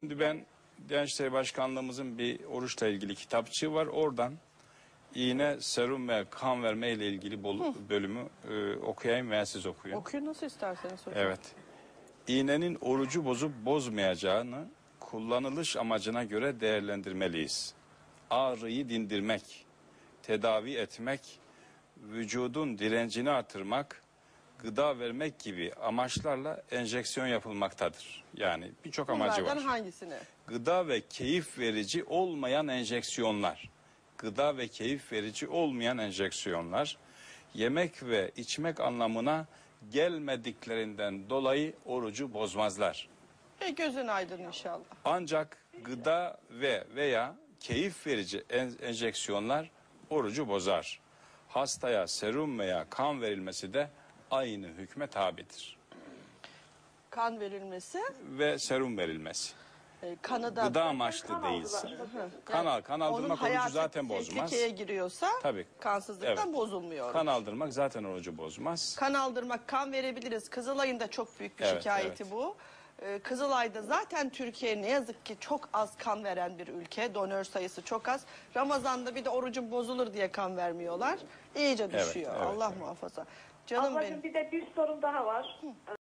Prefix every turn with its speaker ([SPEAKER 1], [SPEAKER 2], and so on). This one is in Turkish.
[SPEAKER 1] Şimdi ben Diyanet İşleri Başkanlığımızın bir oruçla ilgili kitapçığı var. Oradan iğne, serum ve kan verme ile ilgili bölümü okuyayım veya siz okuyun.
[SPEAKER 2] Okuyun nasıl isterseniz hocam.
[SPEAKER 1] Evet. İğnenin orucu bozup bozmayacağını kullanılış amacına göre değerlendirmeliyiz. Ağrıyı dindirmek, tedavi etmek, vücudun direncini artırmak, gıda vermek gibi amaçlarla enjeksiyon yapılmaktadır. Yani birçok amacı var.
[SPEAKER 2] Bunlardan hangisini?
[SPEAKER 1] Gıda ve keyif verici olmayan enjeksiyonlar. Gıda ve keyif verici olmayan enjeksiyonlar yemek ve içmek anlamına gelmediklerinden dolayı orucu bozmazlar.
[SPEAKER 2] Gözün aydın inşallah.
[SPEAKER 1] Ancak gıda veya keyif verici enjeksiyonlar orucu bozar. Hastaya serum veya kan verilmesi de aynı hükme tabidir.
[SPEAKER 2] Kan verilmesi.
[SPEAKER 1] Ve serum verilmesi.
[SPEAKER 2] Kanı da
[SPEAKER 1] Gıda amaçlı değilse. Kan aldırmak orucu zaten bozmaz.
[SPEAKER 2] Tehlikeye giriyorsa
[SPEAKER 1] Tabii.
[SPEAKER 2] kansızlıktan
[SPEAKER 1] Evet.
[SPEAKER 2] bozulmuyor.
[SPEAKER 1] Kan aldırmak zaten orucu bozmaz.
[SPEAKER 2] Kan aldırmak, kan verebiliriz. Kızılay'ın da çok büyük bir
[SPEAKER 1] Evet,
[SPEAKER 2] şikayeti
[SPEAKER 1] evet.
[SPEAKER 2] bu. Kızılay'da zaten Türkiye ne yazık ki çok az kan veren bir ülke. Donör sayısı çok az. Ramazan'da bir de orucun bozulur diye kan vermiyorlar. İyice düşüyor.
[SPEAKER 1] evet,
[SPEAKER 2] Allah
[SPEAKER 1] evet.
[SPEAKER 2] muhafaza. Canım
[SPEAKER 3] Ablacığım
[SPEAKER 2] benim.
[SPEAKER 3] bir de bir sorum daha var.